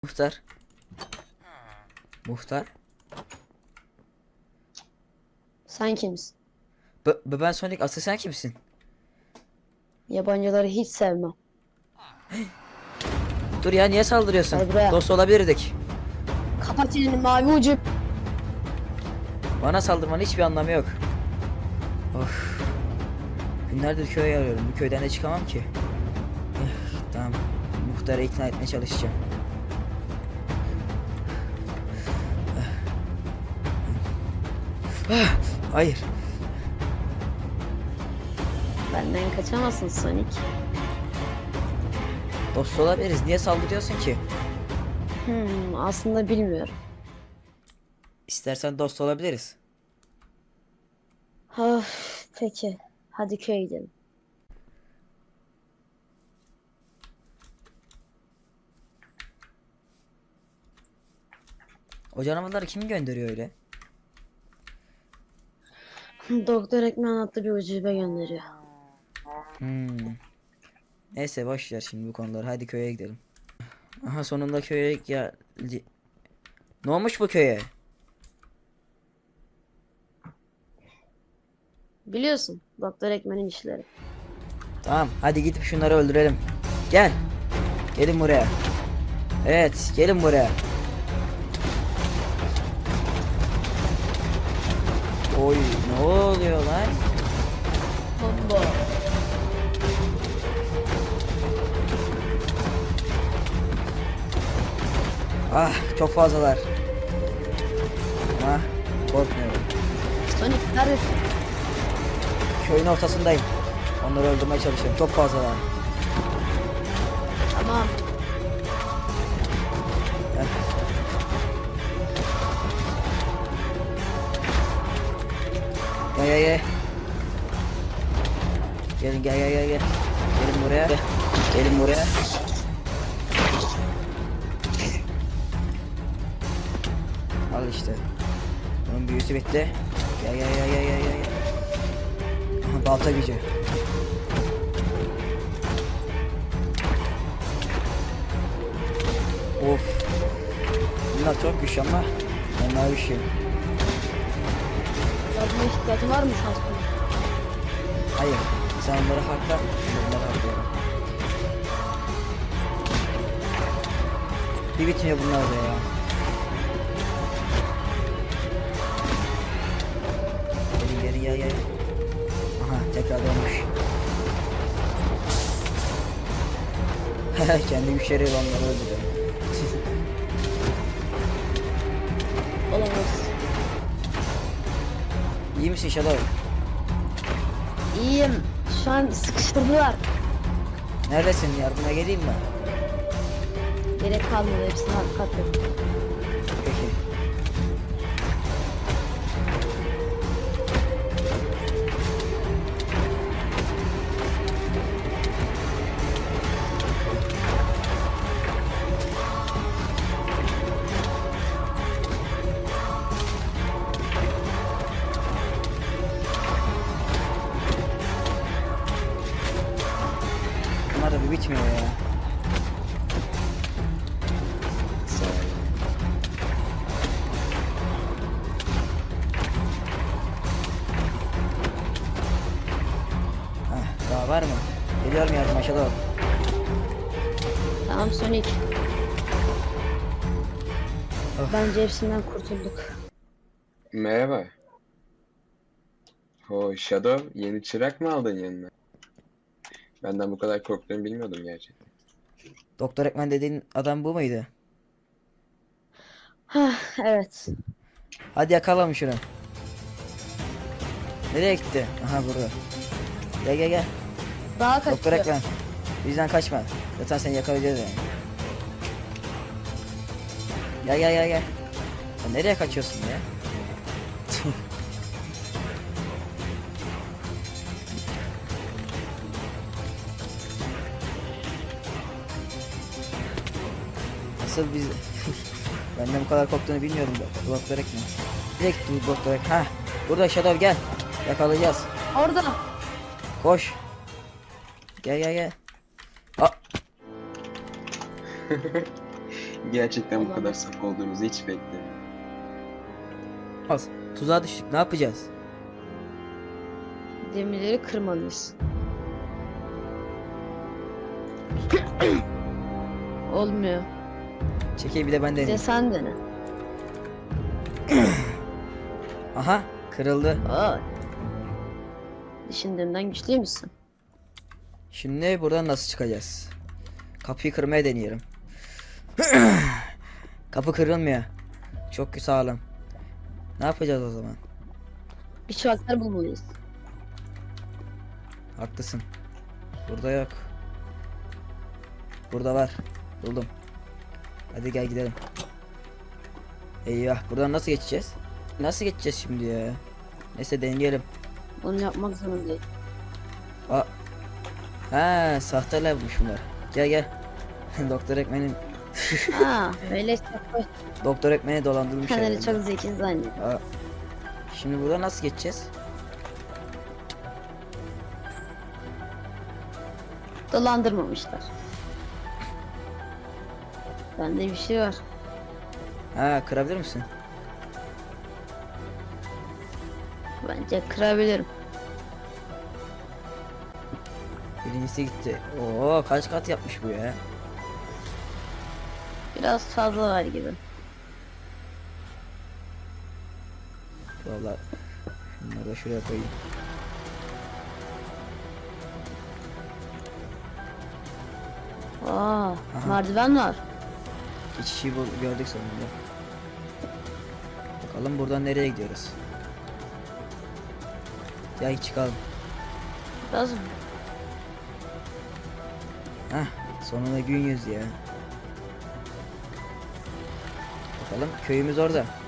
Muhtar. Muhtar. Sen kimsin? Ben Sonic, asıl sen kimsin? Yabancıları hiç sevmem. Dur ya, niye saldırıyorsun? Gel buraya. Dost olabilirdik. Kapat elini mavi ucu. Bana saldırmanın hiçbir anlamı yok. Of. Günlerdir köye arıyorum. Bu köyden de çıkamam ki. Tamam. Muhtarı ikna etmeye çalışacağım. Hayır. Benden kaçamazsın Sonic. Dost olabiliriz. Niye saldırıyorsun ki? Aslında bilmiyorum. İstersen dost olabiliriz. Peki. Hadi köye gidelim. O canavarları kim gönderiyor öyle? Doktor Ekmen adlı bir ucube gönderiyor. Neyse boş ver şimdi bu konuları. Hadi köye gidelim. Aha, sonunda köye geldi. Ne olmuş bu köye? Biliyorsun Doktor Ekmen'in işleri. Tamam, hadi gidip şunları öldürelim. Gel. Gelin buraya. Evet, gelin buraya. Oy, ne oluyor lan? Bomba. Ah, çok fazlalar. Ama korkmuyorum. Sonic neredesin? Köyün ortasındayım. Onları öldürmeye çalışıyorum. Çok fazlalar. Tamam. Gel. Gelin gel. Gelin buraya. Gelin buraya. Al işte. Bunun büyüsü bitti. Gel. Aha, balta gücü. Of. Bunlar çok güçlü ama onlar bir şey. Yardıma ihtiyacın var mı Şanslı? Hayır. Sen onları hakla. Bunları haklıyorum. Bir bitmiyor bunlar da ya. Gelin gel. Aha, tekrar dönmüş. Kendi güçleri onları öldürüyor. Olamaz. İyi misin Shadow? İyiyim. Şu an sıkıştırdılar. Neredesin? Yardıma geleyim mi? Gerek kalmadı. Hepsini katledim. Peki. Bunlar da bir bitmiyor ya. Daha var mı? Geliyorum yardıma Shadow. Tamam Sonic. Of. Bence hepsinden kurtulduk. Merhaba. Shadow, yeni çırak mı aldın yanına? Benden bu kadar korktuğunu bilmiyordum gerçekten. Doktor Ekmen dediğin adam bu muydu? Evet. Hadi yakalım şunu. Nereye gitti? Aha burada. Gel. Daha Doktor kaçıyor. Ekmen. Bizden kaçma. Zaten seni yakalayacağız yani. Gel. Sen nereye kaçıyorsun ya? Nasıl biz... Benden bu kadar korktuğunu bilmiyordum Doktor Ekmen. Direkt Doktor Ekmen. Ha, burada Shadow, gel. Yakalayacağız. Orada. Koş. Gel. Gerçekten bu kadar Olamaz. saf olduğumuzu hiç beklemiyordum. Az. Tuzağa düştük. Ne yapacağız? Demirleri kırmalıyız. Olmuyor. Çekil bir de ben Bir de deneyeyim. sen dene. Aha kırıldı. Aa. Düşündüğümden güçlü müsün? Şimdi buradan nasıl çıkacağız? Kapıyı kırmaya deniyorum. Kapı kırılmıyor. Çok sağlam. Ne yapacağız o zaman? Bir çuvallar bulmalıyız. Haklısın. Burada yok. Burada var. Buldum. Hadi gel gidelim. Eyvah, buradan nasıl geçeceğiz? Nasıl geçeceğiz şimdi ya? Neyse deneyelim. Onu yapmak zorundayım. Aa. Ha, sahte labmış bunlar. Gel gel. Doktor Ekmen'in Aa, öyleyse koy. Doktor Ekmen'i dolandırmış Kendini herhalde. çok zeki zannediyor. Aa. Şimdi burada nasıl geçeceğiz? Dolandırmamışlar. Bende bir şey var. Ha, kırabilir misin? Bence kırabilirim. Birincisi gitti. Oo, kaç kat yapmış bu ya? Biraz fazla var gibi. Vallahi bunları da şuraya koyayım. Aa, merdiven var. Geçişi gördük sonunda. Bakalım buradan nereye gidiyoruz? Gel çıkalım. Biraz Hah, sonunda gün yüzü ya. Bakalım köyümüz orada.